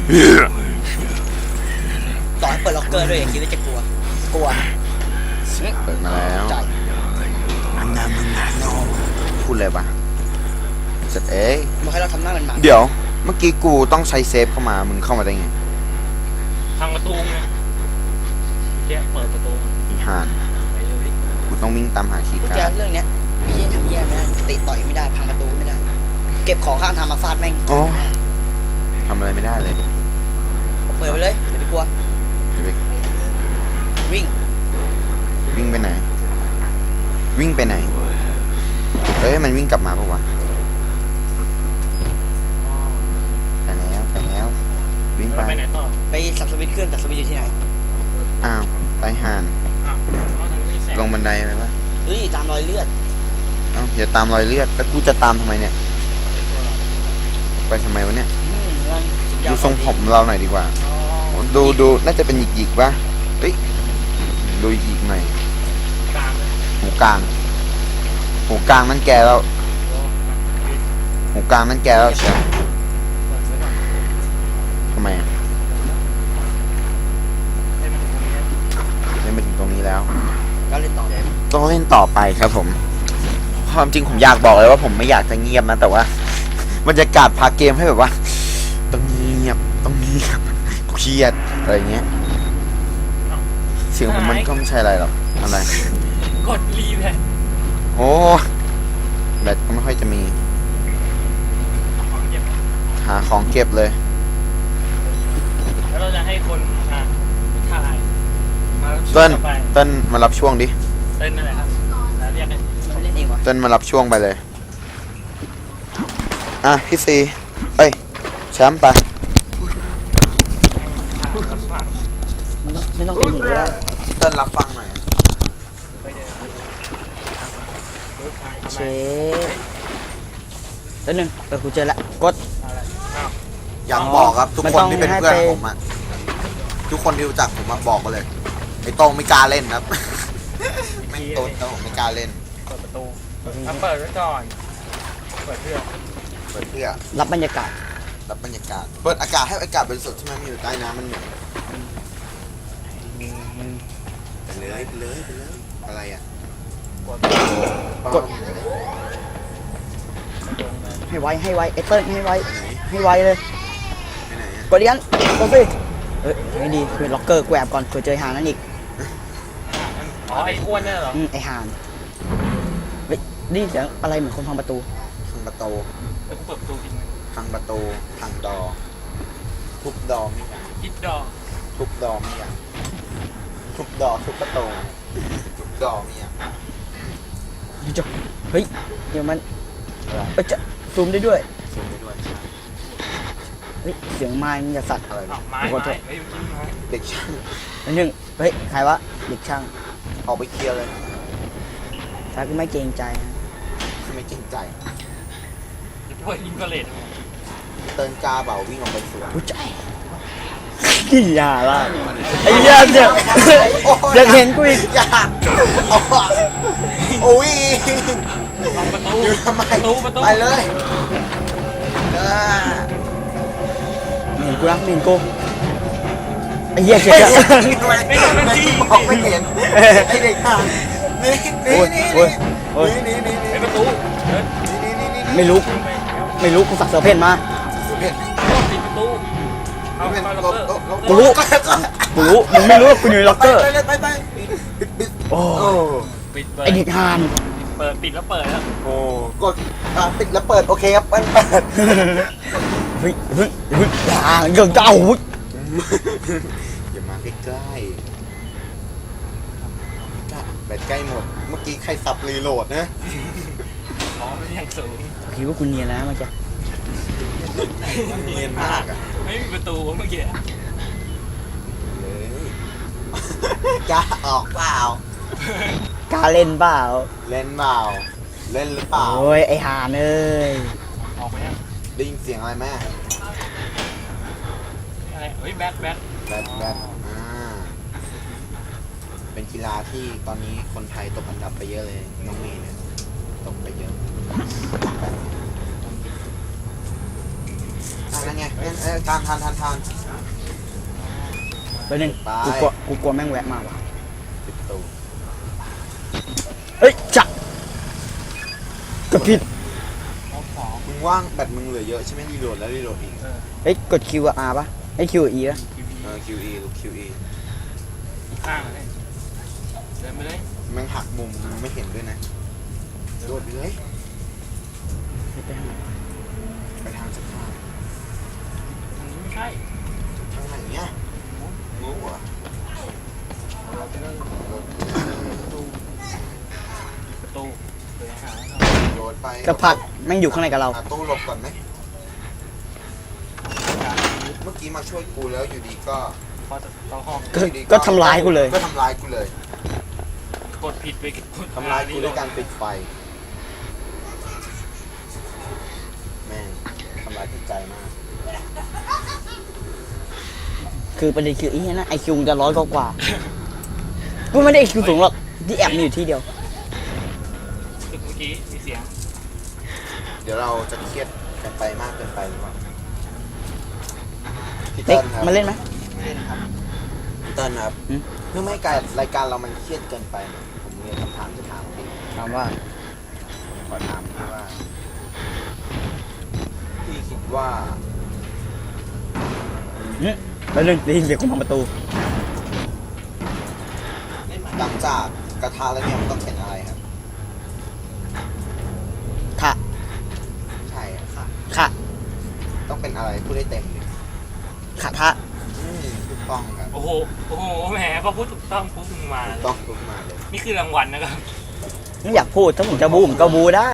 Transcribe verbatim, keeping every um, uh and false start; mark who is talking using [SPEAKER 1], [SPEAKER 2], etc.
[SPEAKER 1] ต่อให้เปิดล็อกเกอร์ด้วยอย่าคิดว่าจะกลัวกลัว
[SPEAKER 2] เปิดมาแล้วพูดเลยปะเสร็จเอ้ย
[SPEAKER 1] บอกให้เราทำหน้ามันมา
[SPEAKER 2] เดี๋ยวเมื่อกี้กูต้องใช้เซฟเข้ามามึงเข้ามาได้ไง
[SPEAKER 3] ทางประตูไงแกเปิดประตู
[SPEAKER 2] อีห่านกูต้องวิ่งตามหาคีย์
[SPEAKER 1] กุญ
[SPEAKER 2] กา
[SPEAKER 1] แจ
[SPEAKER 2] ร์ด
[SPEAKER 1] เรื่องเนี้ยพี่ยังทำแย่ไม่ได้ติต่อยไม่ได้พังประตูไม่ได้ เก็บของข้างทางมาฟาดแม่ง
[SPEAKER 2] โอ้ทำอะไรไม่ได้เลย
[SPEAKER 1] เปิดไปเลยอย่าไปกลัว
[SPEAKER 2] เดี๋ยวไป
[SPEAKER 1] วิ่ง
[SPEAKER 2] วิ่งไปไหน วิ่งไปไหนเอ้ยมันวิ่งกลับมาปะวะไปแล้วไปแล้ววิ่งไป
[SPEAKER 3] ไปไหนต่อ
[SPEAKER 1] ไปสับสวิตช์เครื่องแต่สวิตช์อยู่ที่ไหน
[SPEAKER 2] อ้าวไปห่าน
[SPEAKER 3] อ้าวเอาทางนี้แสง
[SPEAKER 2] ลงบันไดอะไรวะ
[SPEAKER 1] เฮ้ยตามรอยเลือด
[SPEAKER 2] เอ้าอย่าตามรอยเลือดแล้วกูจะตามทำไมเนี่ยไปทำไมวะเนี่ย
[SPEAKER 1] อืมนั่นสุดยอ
[SPEAKER 2] ดู
[SPEAKER 1] ด
[SPEAKER 2] ทรงผมเราหน่อยดีกว่า
[SPEAKER 3] อ๋อ
[SPEAKER 2] ดูดูน่าจะเป็นหยิกๆปะเฮ้ยดูหยิกหน่อย
[SPEAKER 3] กลางเลย
[SPEAKER 2] หูกลางหูกลางนั่นแกแล้ว
[SPEAKER 3] โอ้ปิด
[SPEAKER 2] หูกลางนั่นแกแล้วเชียว
[SPEAKER 3] เปิดไว้ก่อน
[SPEAKER 2] ทำไมอะ
[SPEAKER 3] ให้มันถึงตรงนี้นะ
[SPEAKER 2] เล่นมาถึงตรงนี้แล้ว
[SPEAKER 1] ก็เล่นต่อเลย
[SPEAKER 2] ต้องเล่นต่อไปครับผมความจริงผมอยากบอกเลยว่าผมไม่อยากจะเงียบนะแต่ว่าบรรยากาศพาเกมให้แบบว่าต้องเงียบต้องเงียบเครียดอะไรเงี้ยเสียงผมมันก็ไม่ใช่อะไรหรอกอะไร
[SPEAKER 3] กดรีแพท
[SPEAKER 2] โอ้แบตก็ไม่ค่อยจะมี
[SPEAKER 3] ของเก็บ
[SPEAKER 2] หาของเก็บเลย
[SPEAKER 3] แล้วเราจะให้คนอ่ะถ่ายมาช่ว
[SPEAKER 2] เติ้
[SPEAKER 3] ย
[SPEAKER 2] ล
[SPEAKER 3] ต่อไป
[SPEAKER 2] เติ้ลมารับช่วงดิ
[SPEAKER 3] เต้นนั่นแหละครับแล้วเรียกกัน
[SPEAKER 1] เขาเล่นเองวะ
[SPEAKER 2] เติ้ลมารับช่วงไปเลยอ่ะพี่ซีเอ้ยแชมป์ไป
[SPEAKER 1] ไม่ต้องเป็นหนีก็ได้
[SPEAKER 2] เติ้ลรับฟังหน่อย
[SPEAKER 1] เชฟแล้วหนึ่งเออกูเจอละกด
[SPEAKER 3] อะไรอ้าว
[SPEAKER 2] อยากบอกครับทุก
[SPEAKER 1] มัน
[SPEAKER 2] คน
[SPEAKER 1] ต้อง
[SPEAKER 2] ที่เป็น
[SPEAKER 1] ให้
[SPEAKER 2] เพื่อน
[SPEAKER 1] ไป
[SPEAKER 2] ผมอะทุกคนที่รู้จักผมมาบอกกันเลยไอ้โต้งไม่กล้าเล่นครับ ไม่โต้งแต่ผมไม่กล้าเล่น
[SPEAKER 3] เปิดประตูเอาเปิดไว้ก่อนเปิดเพื่อ
[SPEAKER 2] เปิดเพื่อ
[SPEAKER 1] รับบรรยากาศ
[SPEAKER 2] รับบรรยากาศเปิดอากาศให้อากาศบริสุทธิ์ที่มันมีอยู่ใต้น้ำมันเหนื่อยไปเลยไปเลยไปเลยอะไรอ่ะ
[SPEAKER 3] กด
[SPEAKER 1] กด ให้ไวให้ไวไอเติ้ลให้ไว
[SPEAKER 2] ไปไหน
[SPEAKER 1] ให้ไวเลย
[SPEAKER 2] ไปไหนอะ
[SPEAKER 1] กดดิกันกดสิเฮ้ยไม่ดีคือล็อกเกอร์แกวบก่อนเผื่อเจอหางนั่นอีก
[SPEAKER 3] อ๋อไอ้อ้วนเนี่ยเหรอ
[SPEAKER 1] อืมไอหางเฮ้ยนี่เสียงอะไรเหมือนคนพังประตู
[SPEAKER 2] พังประตู
[SPEAKER 3] แล้วกูเปิดประตูทิ้งไว้
[SPEAKER 2] พังประตูพังดอทุบดอไม่ยัง
[SPEAKER 3] คิดดอก
[SPEAKER 2] ทุบดอไม่ยังทุบดอทุบประตูทุบดอไม่ยัง
[SPEAKER 1] จบเฮ้ยเดี๋ยวมัน
[SPEAKER 2] อะไร
[SPEAKER 1] เอ้ยจะซูมได้ด้วย
[SPEAKER 2] ซูมได้ด้วย
[SPEAKER 1] เฮ้ยเสียงไม้มันจะสัตว์
[SPEAKER 2] อะไร
[SPEAKER 3] อ้าวไม้
[SPEAKER 1] ขอโท
[SPEAKER 3] ไม้
[SPEAKER 1] ษ
[SPEAKER 3] เฮ้ยเมื่อกี้ไม้
[SPEAKER 2] เด็กช่าง
[SPEAKER 1] อันหนึ่งเฮ้ยใครวะเด็กช่าง
[SPEAKER 2] ออกไปเคลียร์เลย
[SPEAKER 1] ถ้ากูไม่เกรงใจนะ
[SPEAKER 2] ไม่เกรงใจ
[SPEAKER 3] จะช่วยอินฟราเรด
[SPEAKER 2] เตินกาเบาวิ่งออกไปสวน
[SPEAKER 1] กูใจกี่ยาละไอ้เหี้ยเดี๋ยวอยากเห็นกูอีก
[SPEAKER 2] อย่าเอาอะโอ้ย
[SPEAKER 3] ลองประตู
[SPEAKER 2] อยู่ทำไม
[SPEAKER 3] ประตูประตู
[SPEAKER 2] ไปเลยเออ
[SPEAKER 1] เห็นกูรักเห็นกูไอ้เหี้ยเจ็บ
[SPEAKER 2] ไม่
[SPEAKER 1] อะ
[SPEAKER 2] เห็นทำไมไม่บอกไม่เห็นไอเด็กห่างนี่นี่นี่
[SPEAKER 1] โอ้ยโอ้ย
[SPEAKER 2] นี่นี่นี่
[SPEAKER 3] ไอ้ประตูเดิน
[SPEAKER 2] นี่นี่นี่
[SPEAKER 1] ไม่รู้ไม่รู้กูสักเสือเพ่นมา
[SPEAKER 2] เห็น
[SPEAKER 3] ปิดประตูเอา
[SPEAKER 2] เห็น
[SPEAKER 3] เข้า
[SPEAKER 2] ล
[SPEAKER 3] ล็อก
[SPEAKER 2] บ
[SPEAKER 3] เกอร์
[SPEAKER 2] ลบ
[SPEAKER 1] กูรู้กูรู้มึงไม่รู้ว่ากูอยู่ในล็อกเกอร์
[SPEAKER 2] ไปไปไปปิดปิด
[SPEAKER 1] โอ้
[SPEAKER 2] โอ้
[SPEAKER 3] ปิดเปิด
[SPEAKER 1] ไอเด็กฮาน
[SPEAKER 3] เปิดปิดแล้วเปิดแล้ว
[SPEAKER 2] โอ้กดอ่ะปิดแล้วเปิดโอเคครับเปิดเปิด
[SPEAKER 1] เฮ้ยเฮ้ยเฮ้ยอย่าเกินเจ้าเฮ้ย
[SPEAKER 2] อย่ามาใกล้ใกล้แบตใกล้หมดเมื่อกี้ใครสับรีโหลดนะ
[SPEAKER 3] อ๋อมันยังสูง
[SPEAKER 1] คิดว่ากูเนียนแล้วเมื่อกี้
[SPEAKER 2] เนียนมากอ่ะ
[SPEAKER 3] ไม่มีประตูเมื่อกี้
[SPEAKER 2] เลยจะออกเปล่าก
[SPEAKER 1] ล้าเล่นเปล่า
[SPEAKER 2] เล่นเปล่าเล่นหรือเปล่า
[SPEAKER 1] โอ้ยไอหานเอ้ย
[SPEAKER 3] ออกไปยัง
[SPEAKER 2] ได้ยินเสียงอะไรแม่
[SPEAKER 3] อะไรเฮ้ยแบทแบท
[SPEAKER 2] แบตแบตอ่าเป็นกีฬาที่ตอนนี้คนไทยตกอันดับไปเยอะเลยน้องเมย์เนี่ยตกไปเยอะ
[SPEAKER 3] ไป
[SPEAKER 2] นั่นไงเอ้ยเอ้ยทานทานทานทาน
[SPEAKER 1] ไปหนึ่ง
[SPEAKER 2] ไป
[SPEAKER 1] กูกลัวกูกลัวแม่งแวะมาว่ะ
[SPEAKER 2] ปิดประตู
[SPEAKER 1] เอ้ยจักกดผิด
[SPEAKER 2] มึงว่างแบตมึงเหลือเยอะใช่ไหมรีโหลดแล้วรีโหลดอีก
[SPEAKER 1] เอ้ยกด Q กับ R ปะไอ้ Q กับ E ปะ
[SPEAKER 2] เออ คิว อี ลูก คิว อี
[SPEAKER 3] ข้างเลยเดินไปเลย
[SPEAKER 2] แม่งหักมุมมึงไม่เห็นด้วยนะโดดไปเลยไปทางสุดท้าย
[SPEAKER 3] ทางนี้ไม่ใช่
[SPEAKER 2] ทางไหนเนี่ยงูเหรอ
[SPEAKER 3] ประตูเดินหา
[SPEAKER 2] โดดไป
[SPEAKER 1] กระพักแม่งอยู่ข้างในกับเรา
[SPEAKER 2] หาตู้หลบก่อนไหมเมื่อกี้มาช่วยกูแล้วอยู่ดีก็
[SPEAKER 3] พอจะเข้าห้อง
[SPEAKER 1] ก็ก็ทำร้ายกูเลย
[SPEAKER 2] ก็ทำร้ายกูเลย
[SPEAKER 3] กดผิดไปกด
[SPEAKER 2] ทำร้ายกูด้วยการปิดไฟแม่งทำร้ายจิตใจมาก
[SPEAKER 1] คือประเด็นคือไอ้เหี้ยนะไอคิวจะร้อยกว่ากว่ากูไม่ได้ไอคิวสูงหรอกที่แอบมีอยู่ที่เดียว
[SPEAKER 3] ตึกเมื่อกี้มีเสียง
[SPEAKER 2] เดี๋ยวเราจะเครียดกันไปมากเกินไปหรือเปล่าพี่
[SPEAKER 1] เด็
[SPEAKER 2] เติ้
[SPEAKER 1] ก
[SPEAKER 2] ลครับ
[SPEAKER 1] มาเล่นไหม
[SPEAKER 2] พี่เติ้ลครับ
[SPEAKER 1] อืม
[SPEAKER 2] เพื่อไม่ให้การรายการเรามันเครียดเกินไปเนี่ยผมมีคำถามจะถามพี่
[SPEAKER 1] ถามว่า
[SPEAKER 2] ผมขอถามพี่ว่าพี่คิดว่า
[SPEAKER 1] อืมแล้วหนึ่งได้ยินเสียงคนพังประตู
[SPEAKER 2] หลังจากกระทะแล้วเนี่ยมันต้องเป็นอะไรครับ
[SPEAKER 1] ค่ะ
[SPEAKER 2] ใช่ครับ
[SPEAKER 1] ค่ะ
[SPEAKER 2] ต้องเป็นอะไรพูดได้เต็มเลย
[SPEAKER 1] ค่ะทะ
[SPEAKER 2] อืมถูกต้องครับ
[SPEAKER 3] โอ้โหโอ้โหแหมพอพูดถูกต้องพูดมึงมา
[SPEAKER 2] ถูกต้องทุกมาเลย
[SPEAKER 3] นี่คือรางวัลนะครับ
[SPEAKER 1] ไม่อยากพูดถ้าผมจะบูผมก็บูได้